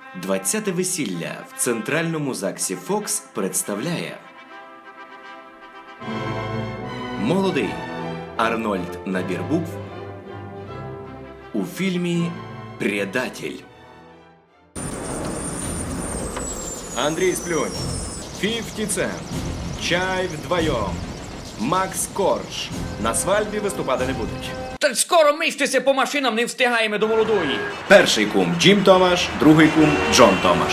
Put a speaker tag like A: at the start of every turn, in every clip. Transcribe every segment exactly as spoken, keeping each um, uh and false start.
A: двадцяте весілля в Центральному ЗАГСі Фокс представляє Молодий Арнольд набір букв у фільмі «Предатель». Андрій Сплюнь, п'ятдесят Цент, Чай вдвоєм, Макс Корж. На свадьбі виступати не будуть.
B: Та скоро миштеся по машинам, не встигаємо до молодої.
A: Перший кум Джим Томаш, другий кум Джон Томаш.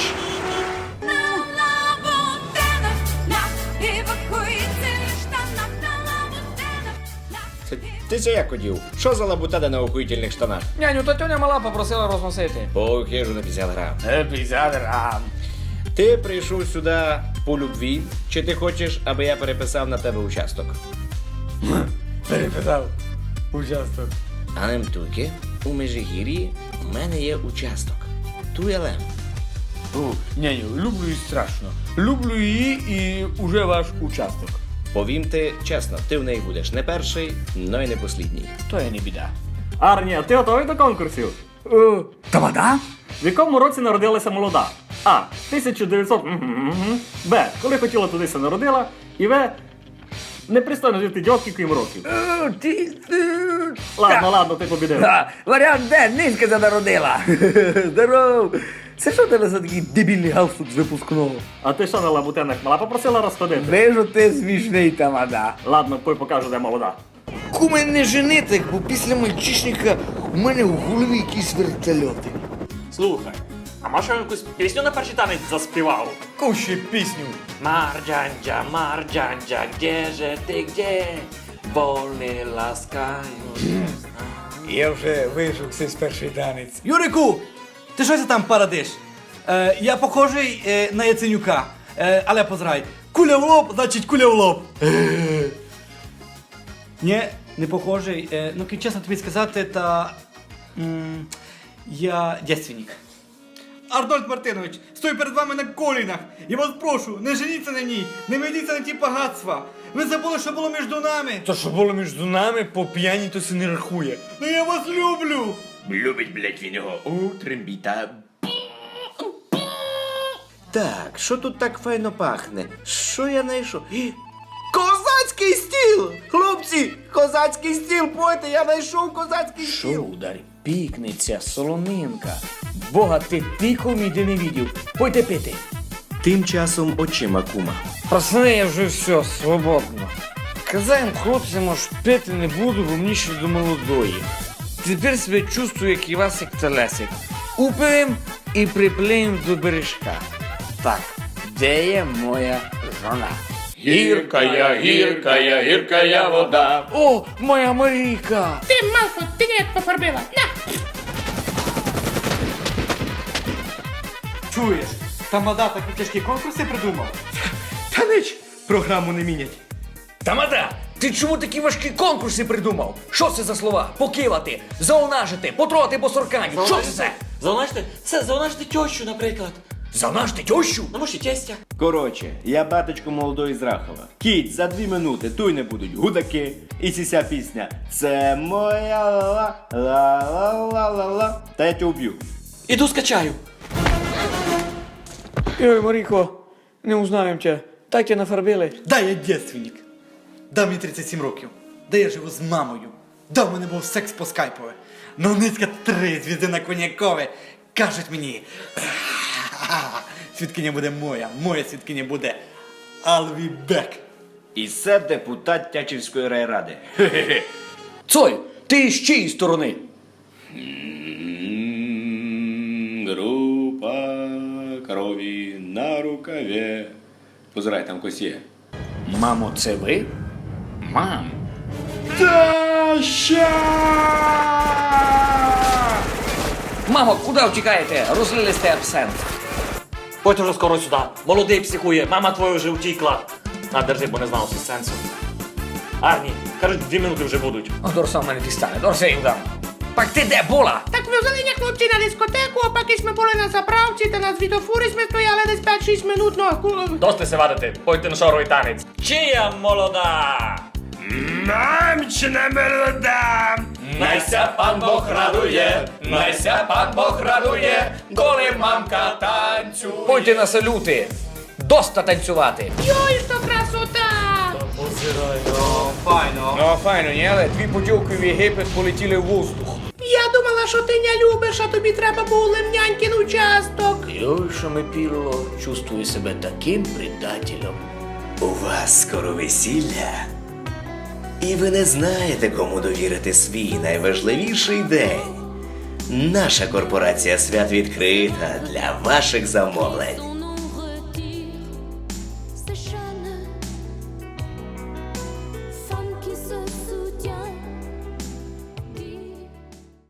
C: Ти це як одів? Що за лабутада на охуїтельних штанах?
B: Няню, та тьоня мала попросила розносити.
C: По хижу на п'ятдесят грам.
B: п'ятдесят грам.
C: Ти прийшов сюди по любві, чи ти хочеш, аби я переписав на тебе участок?
B: Перепитав. Участок.
C: А нем туки, у Межигір'ї у мене є участок. Туєлем.
B: О, няню, люблю її страшно. Люблю її і уже ваш участок.
C: Повім ти чесно, ти в неї будеш не перший, но й не послідній.
B: То є не біда.
D: Арні, а ти готовий до конкурсів?
B: О, тамада?
D: В якому році народилася молода? А. тисяча дев'ятсот... Мгм. Б. Коли хотіла тудися народила. І В. Непристойно жити дьовки, крім років.
B: О, ти... ти-
D: Ладно, ладно, ти побідив.
B: Ха, варіант Д, низька занародила. Здоров. Це що тебе за такий дебільний галстук з випускного?
D: А ти що на лабутенах мала попросила розходити?
B: Вижу, ти смішний тамада.
D: Ладно, пой покажу, де молода.
E: Куме, не женити, бо після мальчишника у мене в голові якісь вертольоти.
D: Слухай, а може я якусь пісню на перший танець заспівав?
B: Кушай пісню.
F: Marjandzia, Marjandzia, gdzieże ty, gdzie? Wolny laskają.
G: Я вже вижився з перший танець.
H: Юрику, ти що це там парадиш? Е, я похожий е, на Яценюка, е, але позрай. Куля в лоб, значить куля в лоб. Е. Ні, не похожий. Е, ну, ки чесно тобі сказати, та м, я дєственник. Арнольд Мартинович, стою перед вами на колінах. Я вас прошу, не женіться на ній, не ведіться на ті багатства. Ви забули, що було між нами.
G: То, що було між нами, по п'яні то се не рахує.
H: Ну я вас люблю.
A: Любить, блять, він його у трембіта. Так, що тут так файно пахне? Що я знайшов? Гі, Козацький стіл! Хлопці, козацький стіл, пойте, я знайшов козацький стіл.
B: Шударь, пікниця, солонинка. Бога, ти піком іди не відів. Пойте пити.
A: Тим часом очима кума.
B: Пацани, я вже все, свободно. Казаєм хлопцям, аж пити не буду, бо мені ще до молодої. Тепер себе чувствую, як Івасик та Лесик. Упием і приплеєм до бережка. Так, де є моя жона?
F: Гіркая, гіркая, гіркая вода.
B: О, моя Марійка!
I: Ти, Малфо, ти ніяк пофарбила. На!
H: Чуєш, тамада такі тяжкі конкурси придумав. Та нич, програму не мінять.
B: Тамада, ти чому такі важкі конкурси придумав? Що це за слова? Покивати, заунажити, потрогати по сорканю. Що це це?
F: Заунажити? Це заунажити тещу, наприклад.
B: Заунажити тещу?
F: Ну, може, тестя.
A: Коротше, я батечко молодої з Рахова. Кіть, за дві минути туй не будуть гудаки. І ця пісня «Це моя ла ла ла ла ла ла». Та я тебе уб'ю.
F: Іду скачаю.
B: Ой, Марійко, не узнаємо тебе. Так тебе нафарбили.
H: Да, я дєственник. Да, мені тридцять сім років. Да, я живу з мамою. Да, в мене був секс по скайпове. Ну, низька три звізди на коньякове. Кажуть мені, свідкиня буде моя, моя свідкиня буде Алві Бек.
A: І це депутат Тячівської райради.
B: Цой, ти з чиєї сторони?
A: Група крові на рукаві. Позирай, там когось є.
B: Мамо, це ви? Мам. Мамо, куди втікаєте? Розлили сте абсент.
F: Пойте вже скоро сюди. Молодий психує, мама твоя вже втікла. На, держи, бо не знав всі сенсу. Арні, кажуть, дві минути вже будуть.
B: О, Дорса в мене дістане, Дорса їм дам. Пак ти де була?
I: Так ми взяли ня хлопці на дискотеку, а поки ми були на заправці та на світофорі ми стояли десь п'ять-шість минут, ну, ку-
D: Дости се вадити, пойте на шоровий танець.
F: Чия молода?
G: Мамчина молода!
C: Найся пан Бог радує, найся пан Бог радує, коли мамка танцює.
F: Пойте на салюти. Доста танцювати.
I: Йой, що красота!
B: Ну, файно, ні, але дві поділки в Єгипет полетіли в воздух.
I: Я думала, що ти не любиш, а тобі треба був лемнянькин участок.
C: Йоша Мепірло чувствує себе таким предателем.
A: У вас скоро весілля. І ви не знаєте, кому довірити свій найважливіший день. Наша корпорація свят відкрита для ваших замовлень.